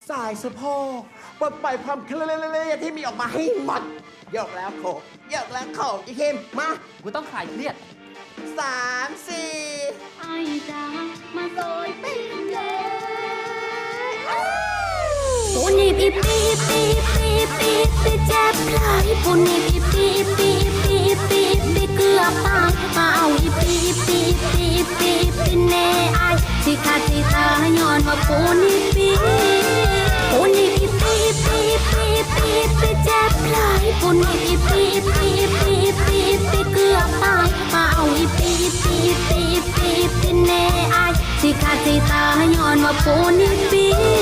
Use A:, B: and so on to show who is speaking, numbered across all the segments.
A: สายสะโพกปลดปล่อยความเครียดที่มีออกมาให้หมดยกแล้วโขกยกแล้วโขกอีคิมมา
B: กูต้องคลายเครียด
A: 3 4
C: ไอ้จ๋ามาซอยปิ้งเลยปูนี่ปีปีปีปีปีปีเจ็บไหลปูนี่ปีปีปีปีปีปีเกือบตายมาเอาอีปีปีปีปีปีแน่ไอสิขาดสิตายย้อนว่าปูนี่ปีปูนี่ปีปีปีปีปีปีเจ็บไหลปูนี่ปีปีปีปีปีปีเกือบตายมาเอาอีปีปีปีปีปีแน่ไอสิขาดสิตายย้อนว่าปูนี่ปี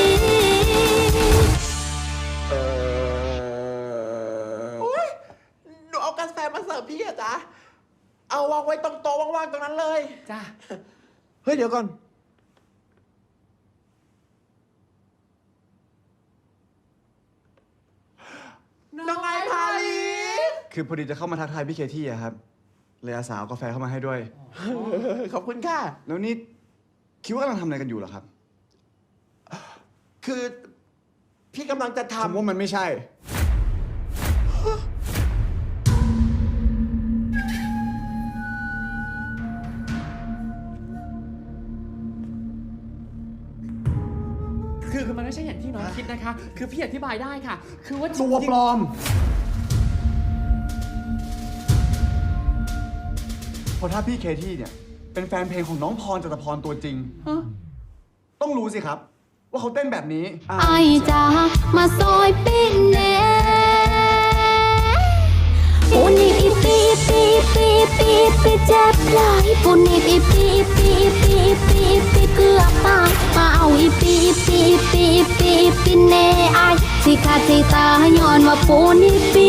A: โอ๊ยหนูเอากาแฟมาเสิร์ฟพี่อะจ๊ะเอาวางไว้ตรงโต๊ะว่างๆตรงนั้นเลย
B: จ้า
A: เฮ้ยเดี๋ยวก่อนน้องไอพาลี
D: คือพอดีจะเข้ามาทักทายพี่เคที่อะครับเลยอาสาเอากาแฟเข้ามาให้ด้วย
A: ขอบคุณค่ะ
D: แล้วนี่คิดว่ากำลังทำอะไรกันอยู่เหรอครับ
A: คือพี่กำลังจะ
D: ผม
A: ทำ
D: ว่ามันไม่ใช่
B: คือมันไม่ใช่อย่างที่น้องคิดนะคะ คือพี่อธิบายได้ค่ะ คือว่า
D: ตัวปลอม เพราะถ้าพี่เคที่เนี่ย เป็นแฟนเพลงของน้องพรจตุพรตัวจริง
B: ฮะ
D: ต้องรู้สิครับ ว่าเขาเต้นแบบนี้
C: ไอ้จ๋ามาซอยปิ้งแน่ปูนี่ปีปีปีปีปีปีเจ็บไหลปูนี่ปีปีปีปีปีปีเกือบตายมาเอาอีปีปีปีปีปีแน่ไอสิขาดสิตายย้อนว่าปูนี่ปี